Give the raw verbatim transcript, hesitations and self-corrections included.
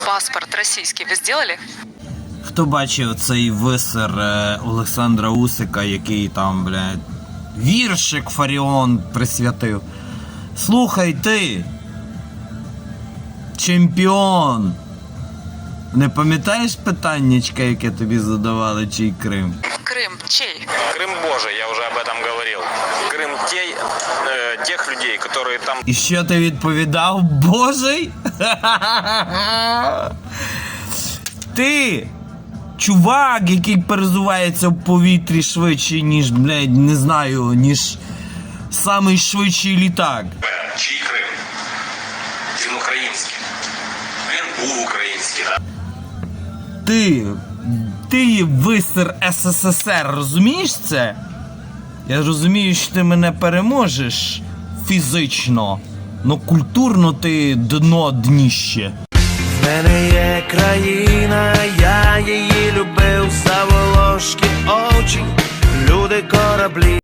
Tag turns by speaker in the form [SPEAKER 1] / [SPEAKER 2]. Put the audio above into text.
[SPEAKER 1] Паспорт российский вы сделали?
[SPEAKER 2] Хто бачив цей висер е, Олександра Усика, який там, блядь, віршик Фаріон присвятив? Слухай ти, чемпіон, не пам'ятаєш питаннячка, яке тобі задавали, чий Крим?
[SPEAKER 1] Крым чей?
[SPEAKER 3] Крым Божий, я уже об этом говорил. Крым те, э, тех людей, которые там...
[SPEAKER 2] І що ти відповідав? Божий? Ти, чувак, який перезувається в повітрі швидше, ніж, блядь, не знаю, ніж самий швидший літак.
[SPEAKER 3] Чий Крим? Він український. Він був український, так?
[SPEAKER 2] Ти, ти висер ес ес ес ер, розумієш це? Я розумію, що ти мене переможеш фізично, но культурно ти дно дніще.
[SPEAKER 4] В мене є країна, я її любив, Саволошки очі, люди, кораблі.